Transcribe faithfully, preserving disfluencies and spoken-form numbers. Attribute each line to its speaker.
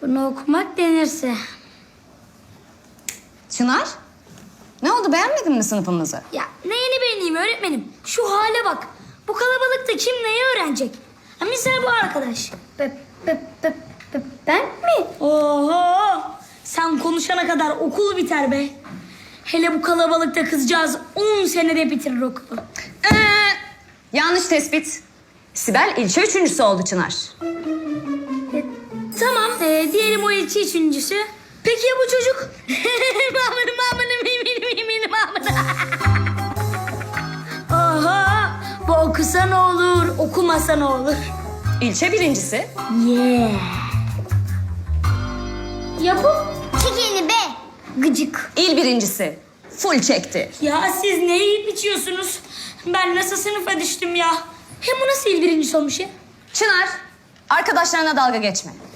Speaker 1: Bunu okumak denirse.
Speaker 2: Çınar, ne oldu, beğenmedin mi sınıfımızı?
Speaker 1: Ya neyini beğeneyim öğretmenim? Şu hale bak. Bu kalabalıkta kim neyi öğrenecek? Ha, misal bu arkadaş. Be, be, be, be, ben mi? Oho! Sen konuşana kadar okul biter be. Hele bu kalabalıkta kızcağız on senede bitirir okulu.
Speaker 2: Ee, yanlış tespit. Sibel ilçe üçüncüsü oldu Çınar.
Speaker 1: E, tamam, e, diyelim o ilçe üçüncüsü. Peki ya bu çocuk? Mamını mamını mimini mimini mamını. Aha! Bu okusa ne olur, okumasa ne olur?
Speaker 2: İlçe birincisi.
Speaker 1: Yeah. Ya bu? Çekeni be. Gıcık.
Speaker 2: İl birincisi. Full çekti.
Speaker 1: Ya siz ne yiyip içiyorsunuz? Ben nasıl sınıfa düştüm ya? Hem bu nasıl il birincisi olmuş ya?
Speaker 2: Çınar, arkadaşlarına dalga geçme.